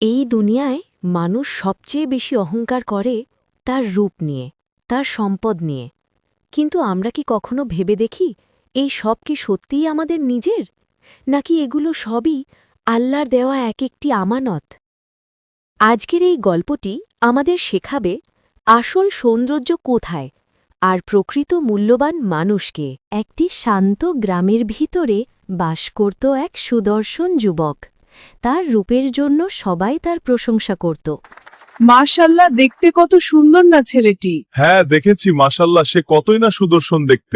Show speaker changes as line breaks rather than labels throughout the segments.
এই দুনিয়ায় মানুষ সবচেয়ে বেশি অহংকার করে তার রূপ নিয়ে, তার সম্পদ নিয়ে। কিন্তু আমরা কি কখনো ভেবে দেখি এই সব কি সত্যিই আমাদের নিজের, নাকি এগুলো সবই আল্লাহর দেওয়া এক একটি আমানত? আজকের এই গল্পটি আমাদের শেখাবে আসল সৌন্দর্য কোথায় আর প্রকৃত মূল্যবান মানুষকে। একটি শান্ত গ্রামের ভিতরে বাস করত এক সুদর্শন যুবক। তার রূপের জন্য সবাই তার প্রশংসা করত।
মাশাআল্লাহ, দেখতে কত সুন্দর না ছেলেটি।
হ্যাঁ দেখেছি, মাশাল্লাহ, সে কতই না সুদর্শন দেখতে।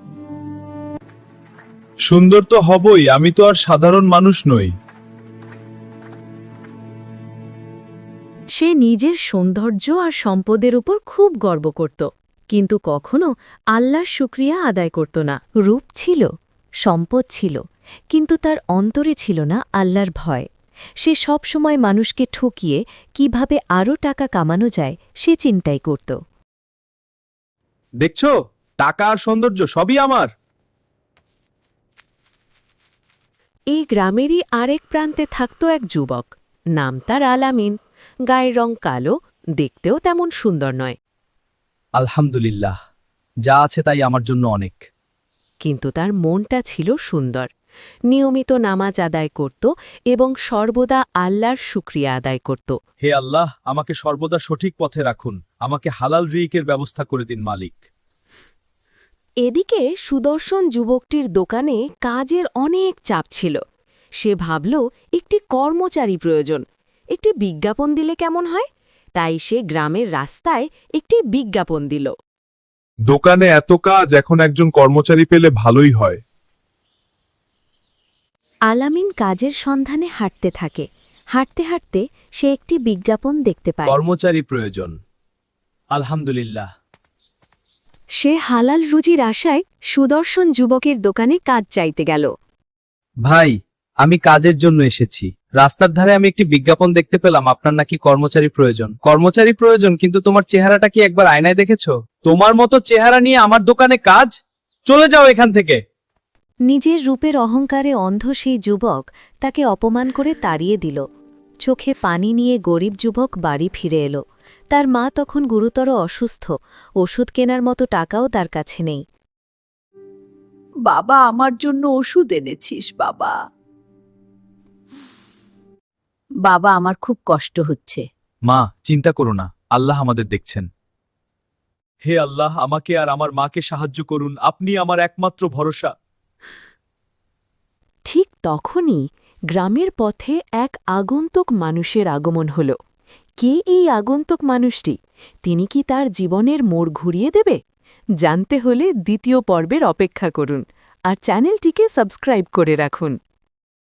সুন্দর তো হবই, আমি তো আর সাধারণ মানুষ নই।
সে নিজের সৌন্দর্য আর সম্পদের উপর খুব গর্ব করত, কিন্তু কখনো আল্লাহর শুকরিয়া আদায় করত না। রূপ ছিল, সম্পদ ছিল, কিন্তু তার অন্তরে ছিল না আল্লাহর ভয়। সে সব সময় মানুষকে ঠকিয়ে কিভাবে আরও টাকা কামানো যায় সে চিন্তাই করত।
দেখছো, টাকা আর সৌন্দর্য সবই আমার।
এই গ্রামেরই আরেক প্রান্তে থাকত এক যুবক, নাম তার আলামিন। গায়ের রং কালো, দেখতেও তেমন সুন্দর নয়,
আলহামদুলিল্লাহ, যা আছে তাই আমার জন্য অনেক।
কিন্তু তার মনটা ছিল সুন্দর। নিয়মিত নামাজ আদায় করত এবং সর্বদা আল্লাহর শুকরিয়া আদায় করত।
হে আল্লাহ, আমাকে সর্বদা সঠিক পথে রাখুন, আমাকে হালাল রিজিকের ব্যবস্থা করে দিন মালিক।
এদিকে সুদর্শন যুবকটির দোকানে কাজের অনেক চাপ ছিল। সে ভাবল একটি কর্মচারী প্রয়োজন, একটি বিজ্ঞাপন দিলে কেমন হয়। তাই সে গ্রামের রাস্তায় একটি বিজ্ঞাপন দিল।
দোকানে এত কাজ, এখন একজন কর্মচারী পেলে ভালোই হয়।
আলামিন কাজের সন্ধানে হাঁটতে থাকে। হাঁটতে হাঁটতে সে একটি বিজ্ঞাপন দেখতে পায়।
কর্মচারী প্রয়োজন। আলহামদুলিল্লাহ।
সে হালাল রুজির আশায় সুদর্শন যুবকের দোকানে কাজ চাইতে গেল।
ভাই, আমি কাজের জন্য এসেছি। রাস্তার ধারে আমি একটি বিজ্ঞাপন দেখতে পেলাম, আপনার নাকি কর্মচারী প্রয়োজন। কর্মচারী প্রয়োজন, কিন্তু তোমার চেহারাটা কি একবার আয়নায় দেখেছো? তোমার মতো চেহারা নিয়ে আমার দোকানে কাজ? চলে যাও এখান থেকে।
নিজের রূপের অহংকারে অন্ধ সেই যুবক তাকে অপমান করে তাড়িয়ে দিল। চোখে পানি নিয়ে গরিব যুবক বাড়ি ফিরে এলো। তার মা তখন গুরুতর অসুস্থ, ওষুধ কেনার মতো টাকাও তার কাছে নেই।
বাবা, আমার জন্য ওষুধ এনেছিস বাবা? বাবা, আমার খুব কষ্ট হচ্ছে।
মা, চিন্তা করো না, আল্লাহ আমাদের দেখছেন।
হে আল্লাহ, আমাকে আর আমার মাকে সাহায্য করুন, আপনি আমার একমাত্র ভরসা।
ঠিক তখনই গ্রামের পথে এক আগন্তুক মানুষের আগমন হল। কে এই আগন্তুক মানুষটি? তিনি কি তার জীবনের মোড় ঘুরিয়ে দেবে? জানতে হলে দ্বিতীয় পর্বের অপেক্ষা করুন আর চ্যানেলটিকে সাবস্ক্রাইব করে রাখুন।